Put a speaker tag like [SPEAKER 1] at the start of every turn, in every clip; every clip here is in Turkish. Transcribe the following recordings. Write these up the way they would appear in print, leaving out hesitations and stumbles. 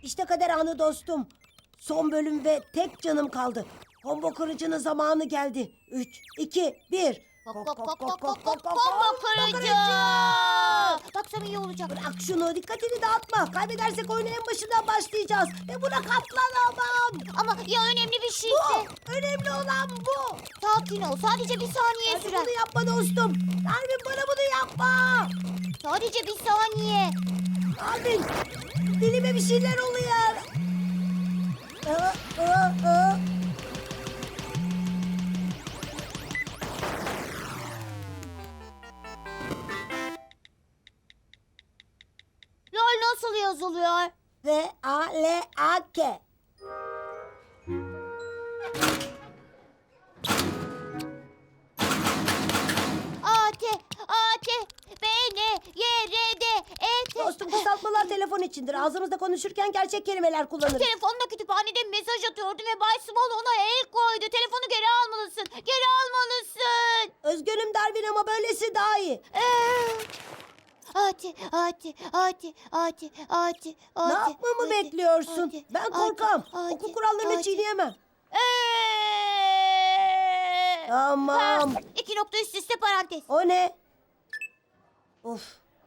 [SPEAKER 1] İşte kader anı dostum. Son bölüm ve tek canım kaldı. Combo kırıcının zamanı geldi. 3, 2, 1.
[SPEAKER 2] Combo kırıcı. Baksam iyi olacak.
[SPEAKER 1] Bırak şunu, dikkatini dağıtma. Kaybedersek oyuna en başından başlayacağız. Ve buna katlanamam.
[SPEAKER 2] Ama ya önemli bir
[SPEAKER 1] Bu,
[SPEAKER 2] şeyse?
[SPEAKER 1] önemli olan bu.
[SPEAKER 2] Sakin ol. Sadece bir saniye
[SPEAKER 1] Hadi
[SPEAKER 2] sürer.
[SPEAKER 1] bunu yapma dostum. Darwin bana bunu yapma.
[SPEAKER 2] Sadece bir saniye.
[SPEAKER 1] Darwin, dilime bir şeyler oluyor. Aa.
[SPEAKER 2] LOL nasıl yazılıyor?
[SPEAKER 1] V-A-L-A-K.
[SPEAKER 2] A-T-A-T-B-N-Y-R-D-E-T.
[SPEAKER 1] Dostum, kısaltmalar telefon içindir. Ağzımızda konuşurken gerçek kelimeler kullanırız.
[SPEAKER 2] Telefonda kütüphanede mesaj atıyordum ve Bay Small ona el koydu. Telefonu geri almalısın. Geri almalısın.
[SPEAKER 1] Üzgünüm Darwin ama böylesi daha iyi.
[SPEAKER 2] Ati.
[SPEAKER 1] Ne yapmamı bekliyorsun? Ben korkam. Okul kurallarını çiğneyemem. Tamam.
[SPEAKER 2] 2 nokta üst üste parantez.
[SPEAKER 1] O ne? Of.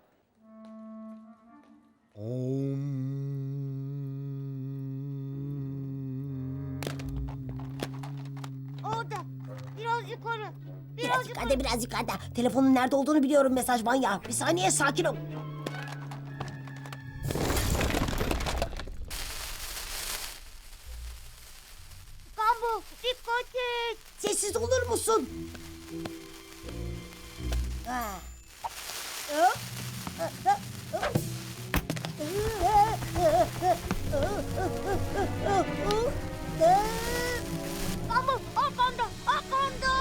[SPEAKER 2] Orada. Biraz yukarı.
[SPEAKER 1] Biraz yukarıda, biraz yukarıda. Telefonun nerede olduğunu biliyorum, mesaj manyağı. Bir saniye, sakin ol.
[SPEAKER 2] Gambo dikkat et.
[SPEAKER 1] Sessiz olur musun? Ha. Hop.
[SPEAKER 2] Gambo arkanda.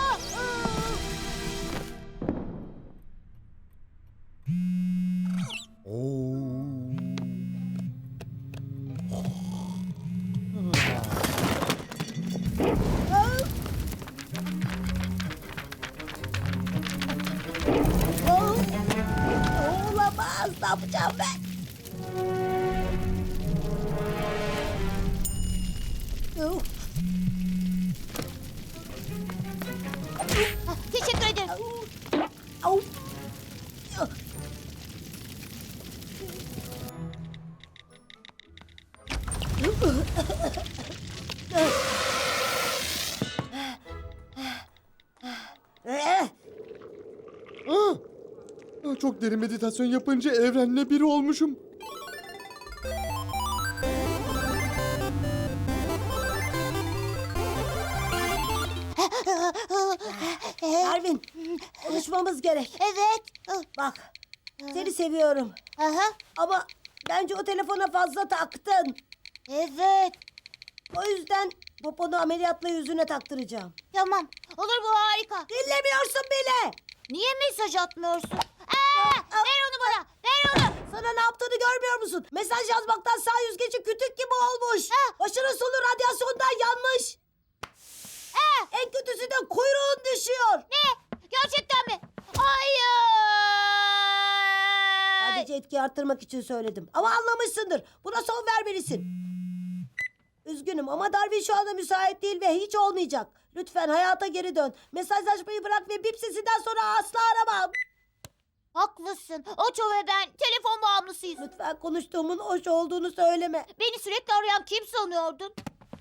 [SPEAKER 1] Olamaz, ne yapacağım ben?
[SPEAKER 2] Teşekkür ederim.
[SPEAKER 1] Au.
[SPEAKER 3] Çok derin meditasyon yapınca evrenle biri olmuşum.
[SPEAKER 1] Darwin, konuşmamız gerek.
[SPEAKER 2] Evet.
[SPEAKER 1] Bak, seni seviyorum.
[SPEAKER 2] Aha.
[SPEAKER 1] Ama bence o telefona fazla taktın.
[SPEAKER 2] Evet.
[SPEAKER 1] O yüzden poponu ameliyatla yüzüne taktıracağım.
[SPEAKER 2] Tamam. Olur bu harika.
[SPEAKER 1] Dinlemiyorsun bile.
[SPEAKER 2] Niye mesaj atmıyorsun? Ver onu bana. Ver onu.
[SPEAKER 1] Sana ne yaptığını görmüyor musun? Mesaj yazmaktan sağ yüzgeci kütük gibi olmuş. Başının sonu radyasyondan yanmış. En kötüsü de kuyruğun düşüyor.
[SPEAKER 2] Ne? Gerçekten mi? Hayır.
[SPEAKER 1] Sadece etki arttırmak için söyledim. Ama anlamışsındır. Buna son vermelisin. Üzgünüm ama Darwin şu anda müsait değil ve hiç olmayacak. Lütfen hayata geri dön. Mesajlaşmayı bırak ve bip sesinden sonra asla aramam.
[SPEAKER 2] Haklısın. Oço ve ben telefon bağımlısıyız.
[SPEAKER 1] Lütfen konuştuğumun hoş olduğunu söyleme.
[SPEAKER 2] Beni sürekli arayan kim sanıyordun?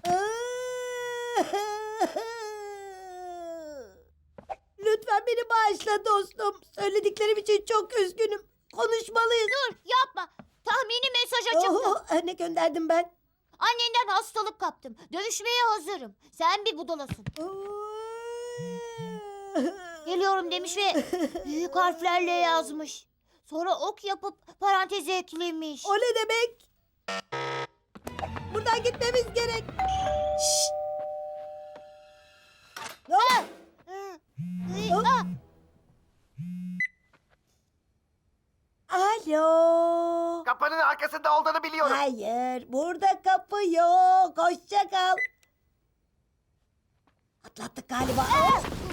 [SPEAKER 1] Lütfen beni bağışla dostum. Söylediklerim için çok üzgünüm. Konuşmalıyız.
[SPEAKER 2] Dur yapma. Tahmini mesaja çıktı.
[SPEAKER 1] Ne gönderdim ben?
[SPEAKER 2] Annenden hastalık kaptım. Dövüşmeye hazırım. Sen bir budalasın. Geliyorum demiş ve büyük harflerle yazmış. Sonra ok yapıp paranteze eklemiş.
[SPEAKER 1] O ne demek? Buradan gitmemiz gerek. Şşt!
[SPEAKER 2] Ah! Ah!
[SPEAKER 1] Alo.
[SPEAKER 4] Kapının arkasında olduğunu biliyorum.
[SPEAKER 1] Hayır, burada kapı yok. Hoşça kal. Atlattık galiba.